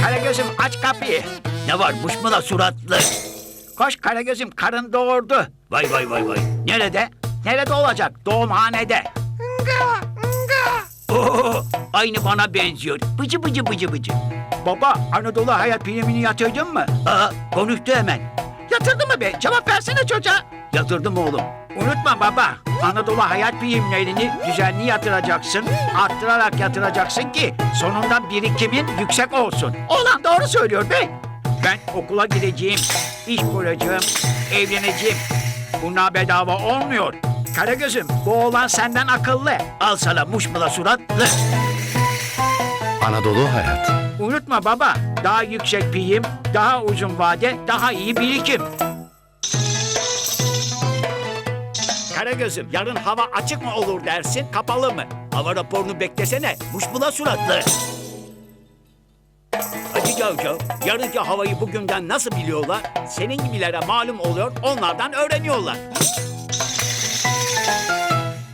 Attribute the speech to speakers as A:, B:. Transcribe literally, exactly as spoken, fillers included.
A: Karagöz'üm aç kapıyı.
B: Ne var muşmula suratlı?
A: Koş Karagöz'üm, karın doğurdu.
B: Vay vay vay vay. Nerede?
A: Nerede olacak? Doğumhanede.
B: Oo, aynı bana benziyor. Bıcı bıcı bıcı bıcı.
A: Baba, Anadolu Hayat filmini yatırdın mı?
B: Aa, konuştu hemen.
A: Yatırdın mı be? Cevap versene çocuğa.
B: Yatırdım oğlum.
A: Unutma baba, Anadolu Hayat filmlerini düzenli yatıracaksın, arttırarak yatıracaksın ki sonunda birikimin yüksek olsun. Oğlan doğru söylüyor bey. Ben okula gideceğim, iş kuracağım, evleneceğim. Bunlar bedava olmuyor. Karagöz'üm, bu oğlan senden akıllı.
B: Al sana muşmula suratlı.
C: Anadolu Hayat.
A: Unutma baba, daha yüksek prim, daha uzun vade, daha iyi birikim. Karagöz'üm, yarın hava açık mı olur dersin, kapalı mı?
B: Hava raporunu beklesene. Muşmula suratlı. Hadi Cavcav, yarınki havayı bugünden nasıl biliyorlar?
A: Senin gibilere malum oluyor, onlardan öğreniyorlar.